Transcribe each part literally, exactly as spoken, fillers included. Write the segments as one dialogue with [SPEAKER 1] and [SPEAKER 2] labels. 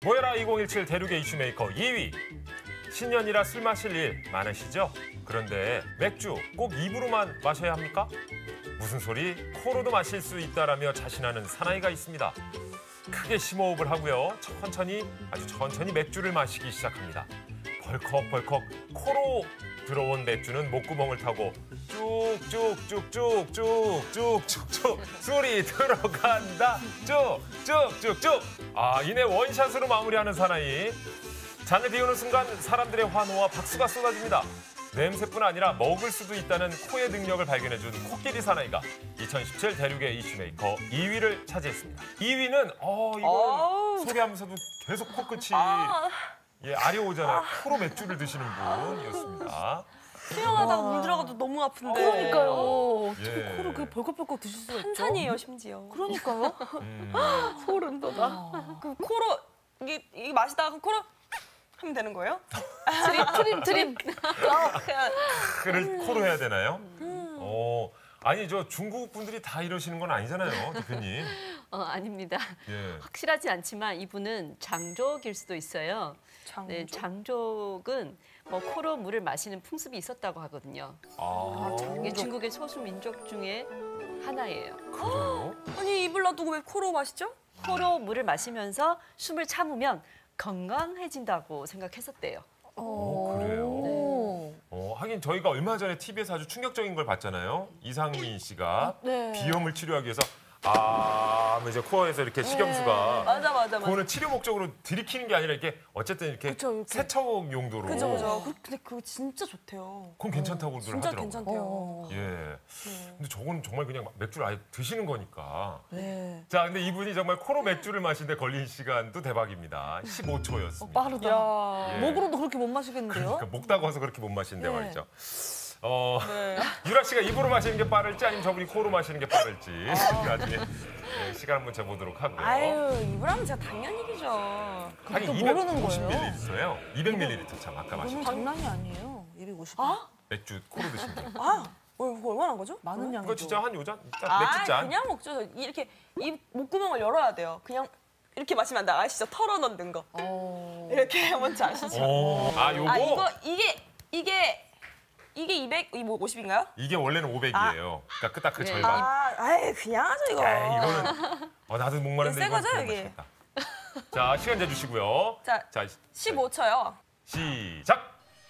[SPEAKER 1] 모여라 이천십칠 대륙의 이슈메이커 이 위. 신년이라 술 마실 일 많으시죠? 그런데 맥주 꼭 입으로만 마셔야 합니까? 무슨 소리? 코로도 마실 수 있다라며 자신하는 사나이가 있습니다. 크게 심호흡을 하고요. 천천히, 아주 천천히 맥주를 마시기 시작합니다. 벌컥벌컥 코로 들어온 맥주는 목구멍을 타고 쭉쭉쭉쭉쭉쭉쭉쭉 술이 들어간다. 쭉쭉쭉쭉. 아, 이내 원샷으로 마무리하는 사나이. 잔을 비우는 순간 사람들의 환호와 박수가 쏟아집니다. 냄새뿐 아니라 먹을 수도 있다는 코의 능력을 발견해준 코끼리 사나이가 이천십칠 대륙의 이슈메이커 이 위를 차지했습니다. 이 위는 어 이거 소개하면서도 계속 코끝이
[SPEAKER 2] 아.
[SPEAKER 1] 예, 아려오잖아요. 코로 맥주를 드시는 분이었습니다.
[SPEAKER 2] 수영하다가 물 들어가도 너무 아픈데.
[SPEAKER 3] 그러니까요. 어떻게
[SPEAKER 1] 예.
[SPEAKER 3] 코를 그 벌컥벌컥 드실 수가 있죠?
[SPEAKER 2] 한산이에요, 심지어.
[SPEAKER 3] 그러니까요.
[SPEAKER 1] 음.
[SPEAKER 2] 소름 돋아. 그 코로 이게, 이게 마시다가 코로 하면 되는 거예요?
[SPEAKER 3] 트림, 트림, 트림.
[SPEAKER 1] 그를 코로 해야 되나요? 어, 아니 저 중국 분들이 다 이러시는 건 아니잖아요, 대표님.
[SPEAKER 4] 어, 아닙니다.
[SPEAKER 1] 예.
[SPEAKER 4] 확실하지 않지만 이분은 장족일 수도 있어요.
[SPEAKER 2] 장족?
[SPEAKER 4] 네, 장족은 뭐 코로 물을 마시는 풍습이 있었다고 하거든요.
[SPEAKER 1] 아,
[SPEAKER 4] 이게 중국의 소수 민족 중에 하나예요.
[SPEAKER 1] 그래요?
[SPEAKER 2] 아니, 입을 놔두고 왜 코로 마시죠?
[SPEAKER 4] 코로 물을 마시면서 숨을 참으면 건강해진다고 생각했었대요.
[SPEAKER 1] 어, 그래요? 어, 하긴 저희가 얼마 전에 티비에서 아주 충격적인 걸 봤잖아요. 이상민 씨가
[SPEAKER 3] 네.
[SPEAKER 1] 비염을 치료하기 위해서 아, 하면 이제 코어에서 이렇게 식염수가
[SPEAKER 2] 맞아, 맞아, 맞아.
[SPEAKER 1] 그거는 치료 목적으로 들이키는 게 아니라 이렇게 어쨌든 이렇게
[SPEAKER 3] 그쵸, 이렇게.
[SPEAKER 1] 세척 용도로.
[SPEAKER 2] 그죠, 그죠. 그- 근데 그거 진짜 좋대요.
[SPEAKER 1] 그건 괜찮다고들
[SPEAKER 2] 진짜
[SPEAKER 1] 하더라고요.
[SPEAKER 2] 괜찮대요.
[SPEAKER 3] 어.
[SPEAKER 1] 예. 근데 저건 정말 그냥 맥주를 아예 드시는 거니까.
[SPEAKER 3] 네.
[SPEAKER 1] 자, 근데 이분이 정말 코로 맥주를 마시는데 걸린 시간도 대박입니다. 십오 초였습니다.
[SPEAKER 3] 빠르다.
[SPEAKER 2] 야.
[SPEAKER 1] 예.
[SPEAKER 3] 목으로도 그렇게 못 마시겠는데요?
[SPEAKER 1] 그러니까 목 따가워서 그렇게 못 마시는데
[SPEAKER 3] 네.
[SPEAKER 1] 말이죠. 어,
[SPEAKER 2] 네.
[SPEAKER 1] 유라 씨가 입으로 마시는 게 빠를지 아니면 저분이 코로 마시는 게 빠를지 나중에 네, 시간 한번 재보도록 하고요.
[SPEAKER 2] 아유, 입을 하면 제가 당연히 이기죠.
[SPEAKER 1] 하긴
[SPEAKER 3] 또 모르는
[SPEAKER 1] 이백오십
[SPEAKER 3] 거예요?
[SPEAKER 1] 밀리리터예요. 이백 밀리리터 참 아까 마신
[SPEAKER 3] 그건 장난이 아니에요. 이백오십.
[SPEAKER 2] 아?
[SPEAKER 1] 맥주 코로 드신 거.
[SPEAKER 2] 아, 어, 이거 얼마나 한 거죠?
[SPEAKER 3] 많은 양이죠.
[SPEAKER 1] 그거 진짜 한 요잔? 진짜
[SPEAKER 2] 아,
[SPEAKER 1] 맥주 잔?
[SPEAKER 2] 그냥 먹죠. 이렇게 입 목구멍을 열어야 돼요. 그냥 이렇게 마시면 안 돼. 아시죠? 털어 넣는 거.
[SPEAKER 3] 어.
[SPEAKER 2] 이렇게 뭔지 아시죠?
[SPEAKER 1] 오, 아 요거
[SPEAKER 2] 아, 이거 이게 이게 이게 이백, 이 뭐 오십인가요?
[SPEAKER 1] 이게 원래는 오백이에요. 그러니까 딱 그
[SPEAKER 4] 네.
[SPEAKER 1] 절반.
[SPEAKER 2] 아, 아이 그냥 하죠 이거.
[SPEAKER 1] 에이, 이거는 어, 나도 목마른데
[SPEAKER 2] 새
[SPEAKER 1] 이거
[SPEAKER 2] 거죠, 여기?
[SPEAKER 1] 맛있겠다. 자, 시간 재주시고요.
[SPEAKER 2] 자,
[SPEAKER 1] 자,
[SPEAKER 2] 십오 초요.
[SPEAKER 1] 시작.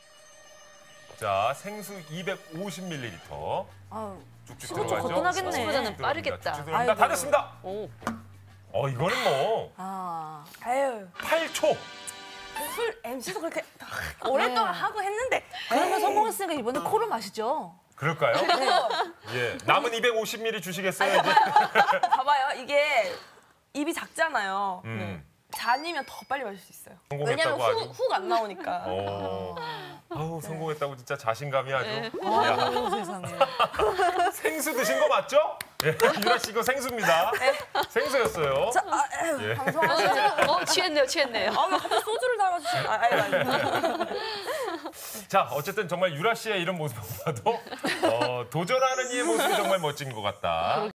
[SPEAKER 1] 자, 생수 이백오십 밀리리터.
[SPEAKER 3] 아유,
[SPEAKER 1] 쭉쭉
[SPEAKER 3] 십오 초
[SPEAKER 1] 들어가죠.
[SPEAKER 3] 거뜬하겠네.
[SPEAKER 4] 생수보다는 빠르겠다.
[SPEAKER 1] 쭉쭉 들어갑니다. 다
[SPEAKER 3] 아이고.
[SPEAKER 1] 됐습니다.
[SPEAKER 4] 오,
[SPEAKER 1] 어, 이거는 뭐
[SPEAKER 3] 아.
[SPEAKER 2] 아유,
[SPEAKER 1] 팔 초.
[SPEAKER 2] 술 엠씨도 그렇게 오랫동안
[SPEAKER 3] 네.
[SPEAKER 2] 하고 했는데.
[SPEAKER 3] 그러면 성공했으니까 이번에 코를 마시죠.
[SPEAKER 1] 그럴까요? 예. 남은 이백오십 밀리리터 주시겠어요, 이제?
[SPEAKER 2] 봐봐요, 이게 입이 작잖아요.
[SPEAKER 1] 음.
[SPEAKER 2] 잔이면 더 빨리 마실 수 있어요.
[SPEAKER 1] 성공했다고
[SPEAKER 2] 왜냐면
[SPEAKER 1] 아주.
[SPEAKER 2] 훅 안 나오니까.
[SPEAKER 1] 어. 아우, 성공했다고 진짜 자신감이 아주.
[SPEAKER 2] 네.
[SPEAKER 1] 야,
[SPEAKER 3] 아유, 세상에.
[SPEAKER 1] 생수 드신 거 맞죠? 예. 유라 씨 이거 생수입니다. 생수였어요.
[SPEAKER 2] 자, 아, 에휴,
[SPEAKER 1] 예.
[SPEAKER 2] 방송하시죠.
[SPEAKER 4] 어, 취했네요, 취했네요.
[SPEAKER 2] 아, 왜 갑자기 소주를 달아주시는? 아, 아니, 아니.
[SPEAKER 1] 자, 어쨌든 정말 유라 씨의 이런 모습을 봐도 어, 도전하는 이의 모습이 정말 멋진 것 같다.